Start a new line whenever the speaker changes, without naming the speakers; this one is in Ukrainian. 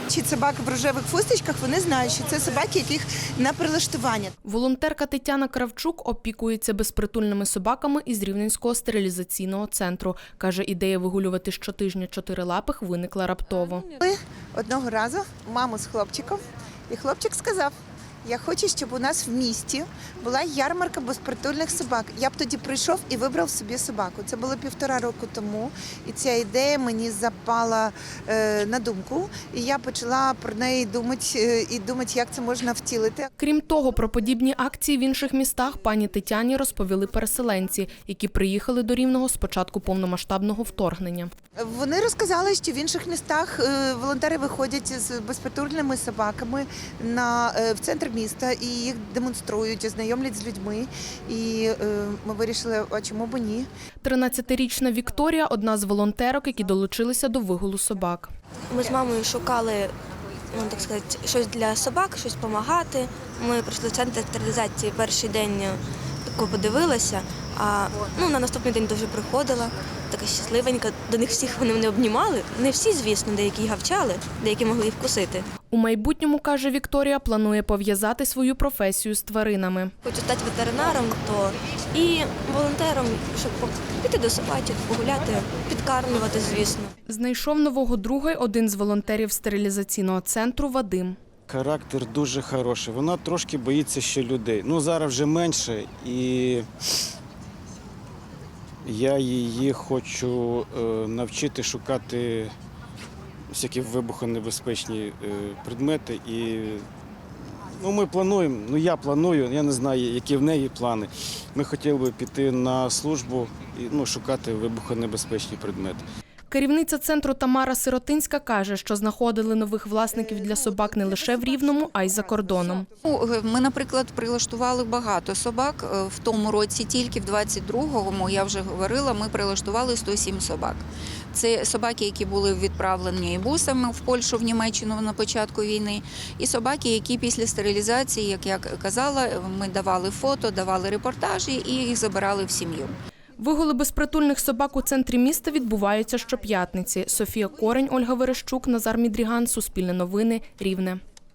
бачать собак в рожевих фусточках, вони знають, що це собаки, яких на прилаштування.
Волонтерка Тетяна Кравчук опікується безпритульними собаками із Рівненського стерилізаційного центру. Каже, ідея вигулювати щотижня чотирилапих виникла раптово.
Одного разу маму з хлопчиком, і хлопчик сказав: я хочу, щоб у нас в місті була ярмарка безпритульних собак. Я б тоді прийшов і вибрав собі собаку. Це було 1,5 року тому, і ця ідея мені запала на думку. І я почала про неї думати, як це можна втілити.
Крім того, про подібні акції в інших містах пані Тетяні розповіли переселенці, які приїхали до Рівного з початку повномасштабного вторгнення.
Вони розказали, що в інших містах волонтери виходять з безпритульними собаками в центр міста і їх демонструють, знайомлять з людьми. І ми вирішили, а чому б ні?
13-річна Вікторія – одна з волонтерок, які долучилися до вигулу собак.
Ми з мамою шукали, так сказати, щось для собак, щось допомагати. Ми прийшли в центр стерилізації, перший день подивилася, а на наступний день дуже приходила, така щасливенька. До них всіх вони мене обнімали. Не всі, звісно, деякі гавчали, деякі могли і вкусити.
У майбутньому, каже Вікторія, планує пов'язати свою професію з тваринами.
Хочу стати ветеринаром, то і волонтером, щоб піти до собачок, погуляти, підкармлювати, звісно.
Знайшов нового друга один з волонтерів стерилізаційного центру Вадим.
Характер дуже хороший. Вона трошки боїться ще людей. Зараз вже менше, і я її хочу навчити шукати всякі вибухонебезпечні предмети. І ми плануємо, я планую, я не знаю, які в неї плани. Ми хотіли б піти на службу і шукати вибухонебезпечні предмети.
Керівниця центру Тамара Сиротинська каже, що знаходили нових власників для собак не лише в Рівному, а й за кордоном.
Ми, наприклад, прилаштували багато собак. В тому році, тільки в 22-му, я вже говорила, ми прилаштували 107 собак. Це собаки, які були відправлені бусами в Польщу, в Німеччину на початку війни. І собаки, які після стерилізації, як я казала, ми давали фото, давали репортажі і їх забирали в сім'ю.
Вигули безпритульних собак у центрі міста відбуваються щоп'ятниці. Софія Корень, Ольга Верещук, Назар Мідріган, Суспільне новини, Рівне.